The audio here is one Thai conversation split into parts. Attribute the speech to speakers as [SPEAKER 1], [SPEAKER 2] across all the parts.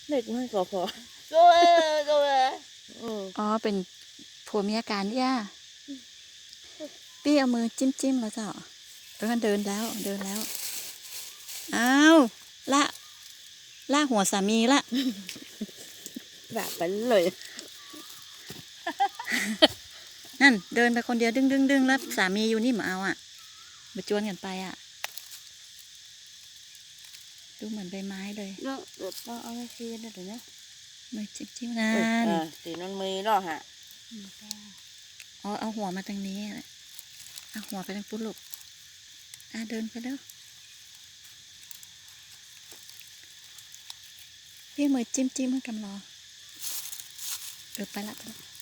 [SPEAKER 1] เด็กมันก็พอ
[SPEAKER 2] อ๋อเป็นผัวเมียกันย่าปี้เอามือจิ้มแล้วเจ้าเดินแล้วอ้าวละหัวสามีละ
[SPEAKER 1] แบบไปเลย
[SPEAKER 2] นั่นเดินไปคนเดียวดึงแล้วสามีอยู่นี่มาเอาอ่ะมาจวนกันไปอ่ะดูเหมือนใบไม้เลย
[SPEAKER 1] เนาะเดี๋ยวต้องเอาไปคืนเดี๋ยวนะ
[SPEAKER 2] มือจิ้มนั่น
[SPEAKER 1] ตีนมันมือเนาะฮะ
[SPEAKER 2] อ๋อเอาหัวมาทางนี้เอาหัวไปทางปุ๊ลูกเดินไปแล้วพี่มือจิ้มให้กำรอไปละ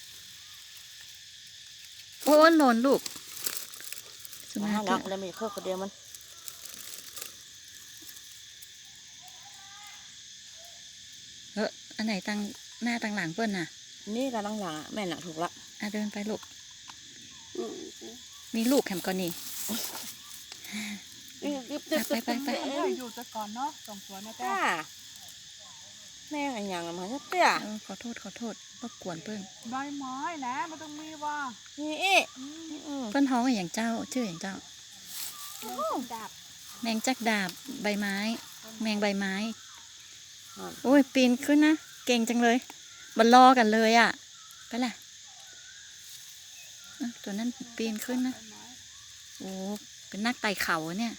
[SPEAKER 2] โอ้หล่นลูกสุนั
[SPEAKER 1] มา
[SPEAKER 2] ข
[SPEAKER 1] ลักแล้วมีข้อคนเดียวมัน
[SPEAKER 2] อันไหนตั้งหน้าตั้งหลังเปิ้ลน่ะ
[SPEAKER 1] นี่กำลังหลังแม่หนักถูกละ
[SPEAKER 2] เดินไปลูกมีลูกแถมก่อนนี่ไป
[SPEAKER 3] อยู่จะก่อนเนาะส่งสวนนะจ้า
[SPEAKER 1] แม่กันยังมันจะเตี้ย
[SPEAKER 2] ขอโทษรบกวนเปิ้ล
[SPEAKER 3] ใบไม้นะมันต้องมีว่า
[SPEAKER 1] นี่
[SPEAKER 2] เปิ้ลท้องอย่างเจ้าชื่ออย่างเจ้า
[SPEAKER 3] ดาบ
[SPEAKER 2] แมงจักดาบใบไม้ แมงใบไม้โอ้ยปีนขึ้นนะเก่งจังเลยมันรอกันเลยอ่ะไปละตัวนั้นปีนขึ้นนะโอ้เป็นนักไต่เขาเนี่ย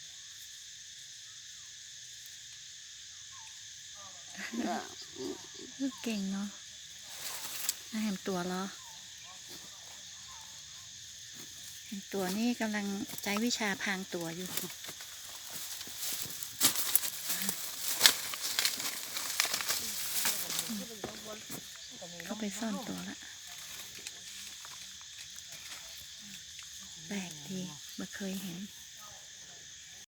[SPEAKER 2] เก่งเนาะเห็นตัวเหรอเห็นตัวนี่กำลังใช้วิชาพรางตัวอยู่เข้าไปซ่อนตัวละแปลกดีไม่เคยเห็น